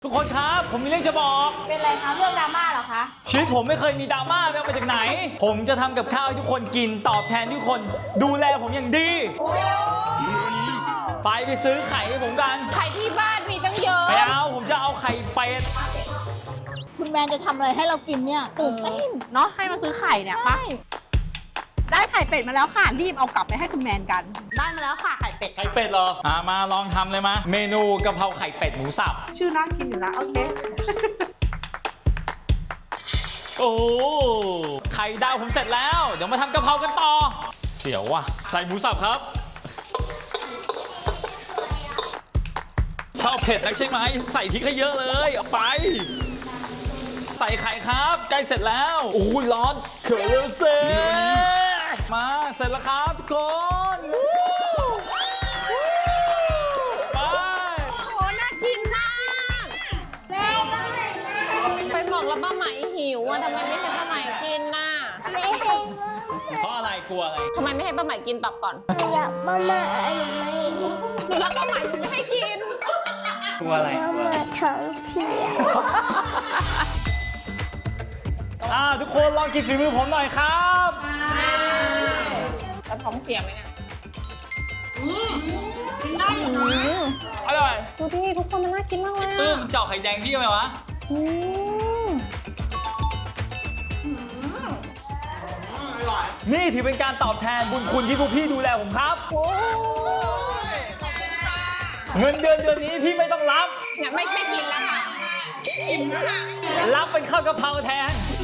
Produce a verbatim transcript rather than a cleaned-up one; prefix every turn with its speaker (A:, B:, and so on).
A: ทุกคนครับผมมีเรื่องจะบอก
B: เป็นไรคะเรื่องดราม่าเหรอคะ
A: ชีวิตผมไม่เคยมีดราม่าไม่เอามาจากไหนผมจะทำกับข้าวให้ทุกคนกินตอบแทนทุกคนดูแลผมอย่างดีไปไปซื้อไข่ให้ผมกัน
B: ไข่ที่บ้านมีตั้งเยอะ
A: ไม่เอาผมจะเอาไข่เป็ด
B: คุณแมนจะทำอะไรให้เรากินเนี่ยตื่นเต้น
C: เนาะให้มาซื้อไข่เนี่ยปะได้ไข่เป็ดมาแล้วค่ะรีบเอากลับไปให้คุณแมนกันได้มาแล้วค่ะไข่เป็ด
A: ไข่เป็ดเหรออ่ามาลองทำเลยมาเมนูกะเพราไข่เป็ดหมูสับ
C: ชื่อน่ากินอยู่นะโอเค
A: โอ้ไข่ดาวผมเสร็จแล้วเดี๋ยวมาทำกะเพรากันต่อเสียวว่ะใส่หมูสับครับชอบเผ็ดนักใช่ไหมใส่พริกให้เยอะเลยเอาไปใส่ไข่ครับใกล้เสร็จแล้วโอ้ยร้อนเขือเร็วเซ่มาเสร็จแล้วครับทุกคนไป
B: โอ้โหน่ากินมากไปบอกแล้วป้าไหมหิวอ่ะทำไมไม่ให้ป้าไหมกินน่ะ
D: ไม่ให้ป้า
A: เพราะอะไรกลัวอะไร
B: ทำไมไม่ให้ป้าไหมกินตอบก่อน
D: อยากป้ามาหนูไม่
B: หนูรักป้าไหมหนูไม่ให้กิน
A: กลัวอะไร
D: ป้ามาท้องเสีย
A: อ่าทุกคนลองกินฝีมือผมหน่อยครับ
B: แล้วท้องเสียไหมเนี่ย
A: อร่อย
B: ดูดิทุกคนมันน่ากินมากเลย
A: ปื้มเจาะไข่แดงที่ทำไมวะนี่ถือเป็นการตอบแทนบุญคุณที่พวกพี่ดูแลผมครับเงินเดือนเดือนนี้พี่ไม่ต้องรับ
B: เนี่ยไม่ไม่กินแล้วค่ะอิ่มแล้วค่ะ
A: รับเป็นข้าวกะเพราแทน